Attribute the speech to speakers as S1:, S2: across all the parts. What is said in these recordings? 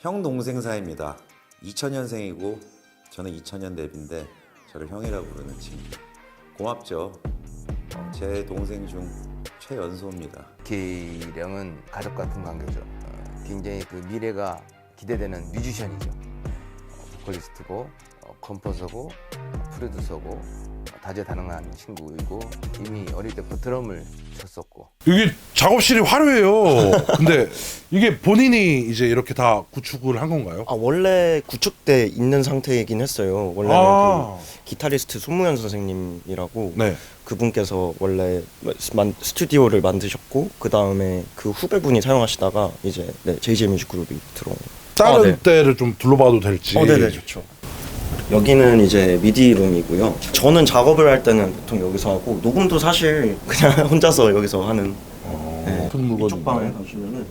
S1: 형 동생 사이입니다. 2000년생이고 저는 2000년 데뷔인데 저를 형이라고 부르는 친구. 고맙죠. 제 동생 중 최연소입니다.
S2: 기령은 가족 같은 관계죠. 굉장히 그 미래가 기대되는 뮤지션이죠. 보컬리스트고 컴포서고 프로듀서고 다재다능한 친구이고 이미 어릴 때부터 드럼을 쳤었고.
S3: 이게 작업실이 화려해요. 근데 이게 본인이 이제 이렇게 다 구축을 한 건가요?
S4: 원래 구축돼 있는 상태이긴 했어요. 원래는 그 기타리스트 손무현 선생님이라고
S3: 네.
S4: 그분께서 원래 스튜디오를 만드셨고 그 다음에 그 후배분이 사용하시다가 이제 JJ 뮤직 그룹이 들어온.
S3: 다른
S4: 네.
S3: 때를 좀 둘러봐도 될지.
S4: 네네 좋죠. 여기는 이제 미디 룸이고요. 저는 작업을 할 때는 보통 여기서 하고 녹음도 사실 그냥 혼자서 여기서 하는. 네. 이쪽 방에 가시면은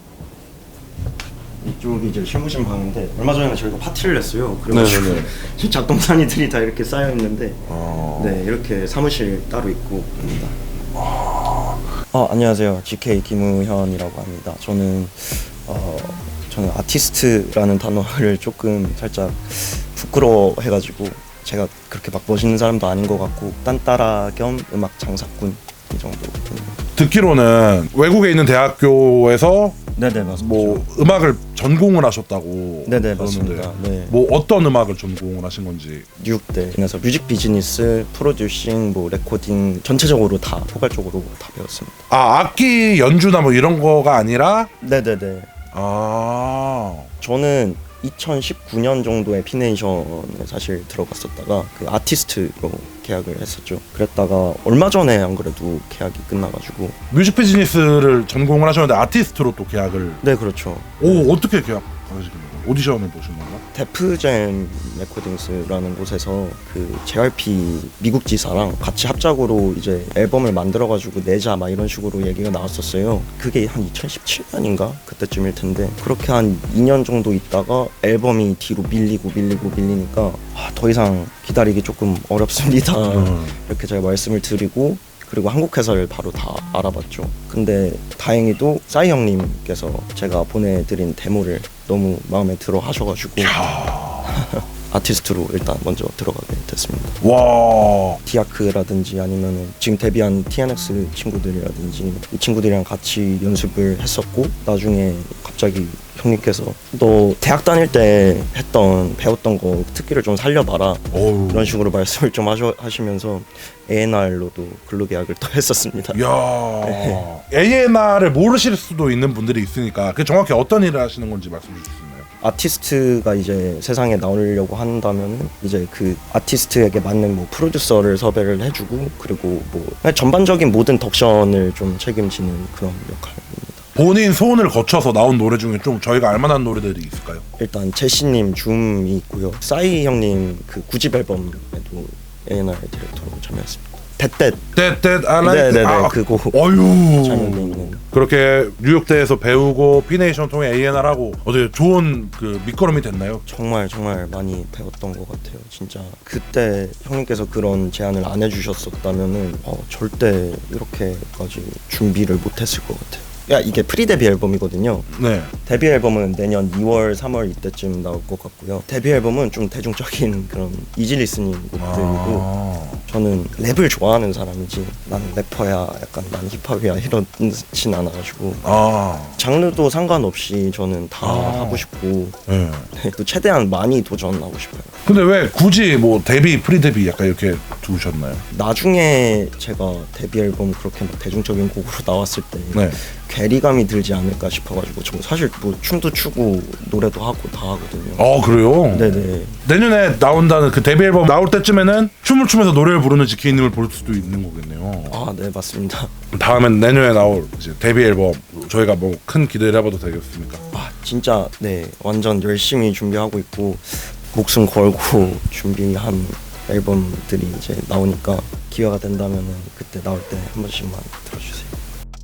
S4: 이쪽이 이제 실무실 방인데 얼마 전에 저희가 파티를 했어요. 그래가지고 작동산이들이 다 이렇게 쌓여 있는데 네 이렇게 사무실 따로 있고 합니다. 안녕하세요. GK 김우현이라고 합니다. 저는 아티스트라는 단어를 조금 살짝 부끄러워해가지고 제가 그렇게 막 멋있는 사람도 아닌 것 같고 딴따라 겸 음악 장사꾼 이 정도.
S3: 듣기로는 외국에 있는 대학교에서
S4: 네네 맞습니다.
S3: 뭐 음악을 전공을 하셨다고.
S4: 네네
S3: 그러는데
S4: 맞습니다. 네.
S3: 뭐 어떤 음악을 전공을 하신 건지.
S4: 뉴욕대 그래서 뮤직 비즈니스, 프로듀싱, 뭐 레코딩 전체적으로 다 포괄적으로 다 배웠습니다.
S3: 악기 연주나 뭐 이런 거가 아니라.
S4: 네네네. 저는 2019년 정도에 피네이션에 사실 들어갔었다가 그 아티스트로 계약을 했었죠. 그랬다가 얼마 전에 안 그래도 계약이 끝나가지고.
S3: 뮤직 비즈니스를 전공을 하셨는데 아티스트로 또 계약을.
S4: 네 그렇죠.
S3: 어떻게 계약하시는 거예요? 오디션을 보신 건가?
S4: 데프잼 레코딩스라는 곳에서 그 JYP 미국 지사랑 같이 합작으로 이제 앨범을 만들어가지고 내자 막 이런 식으로 얘기가 나왔었어요. 그게 한 2017년인가 그때쯤일 텐데 그렇게 한 2년 정도 있다가 앨범이 뒤로 밀리니까 더 이상 기다리기 조금 어렵습니다. 이렇게 제가 말씀을 드리고 그리고 한국 회사를 바로 다 알아봤죠. 근데 다행히도 싸이 형님께서 제가 보내드린 데모를 너무 마음에 들어 하셔가지고 아티스트로 일단 먼저 들어가게 됐습니다.
S3: 와.
S4: 디아크라든지 아니면 지금 데뷔한 TNX 친구들이라든지 이 친구들이랑 같이 연습을 했었고 나중에 갑자기 형님께서 너 대학 다닐 때 배웠던 거 특기를 좀 살려봐라 이런 식으로 말씀을 좀 하시면서 A&R로도 근로 계약을 또 했었습니다.
S3: 이야. A&R을 모르실 수도 있는 분들이 있으니까 그 정확히 어떤 일을 하시는 건지 말씀해 주실 수 있나요?
S4: 아티스트가 이제 세상에 나오려고 한다면은 이제 그 아티스트에게 맞는 뭐 프로듀서를 섭외를 해주고 그리고 뭐 전반적인 모든 덕션을 좀 책임지는 그런 역할입니다.
S3: 본인 소원을 거쳐서 나온 노래 중에 좀 저희가 알만한 노래들이 있을까요?
S4: 일단 제시님 줌이 있고요. 싸이 형님 그 9집 앨범에도 A&R 디렉터로 참여했습니다.
S3: That I like.
S4: 네네네 그거
S3: 어휴.
S4: 참여돼 있는.
S3: 그렇게 뉴욕대에서 배우고 피네이션 통해 A&R 하고 어떻게 좋은 그 밑거름이 됐나요?
S4: 정말 많이 배웠던 것 같아요. 진짜 그때 형님께서 그런 제안을 안 해주셨었다면은 절대 이렇게까지 준비를 못했을 것 같아요. 이게 프리 데뷔 앨범이거든요.
S3: 네.
S4: 데뷔 앨범은 내년 2월, 3월 이때쯤 나올 것 같고요. 데뷔 앨범은 좀 대중적인 그런 이지 리스닝 곡들이고 저는 랩을 좋아하는 사람이지 나는 래퍼야 약간 난 힙합이야 이러진 않아가지고 장르도 상관없이 저는 다 하고 싶고
S3: 네.
S4: 또 최대한 많이 도전하고 싶어요.
S3: 근데 왜 굳이 뭐 데뷔, 프리 데뷔 약간 이렇게 두셨나요?
S4: 나중에 제가 데뷔 앨범 그렇게 막 대중적인 곡으로 나왔을 때
S3: 네.
S4: 괴리감이 들지 않을까 싶어가지고 저 사실 뭐 춤도 추고 노래도 하고 다 하거든요.
S3: 그래요?
S4: 네네.
S3: 내년에 나온다는 그 데뷔 앨범 나올 때쯤에는 춤을 추면서 노래를 부르는 지키님을 볼 수도 있는 거겠네요.
S4: 네 맞습니다.
S3: 다음엔 내년에 나올 이제 데뷔 앨범 저희가 뭐 큰 기대를 해봐도 되겠습니까?
S4: 진짜 네 완전 열심히 준비하고 있고 목숨 걸고 준비한 앨범들이 이제 나오니까 기회가 된다면은 그때 나올 때 한 번씩만 들어주세요.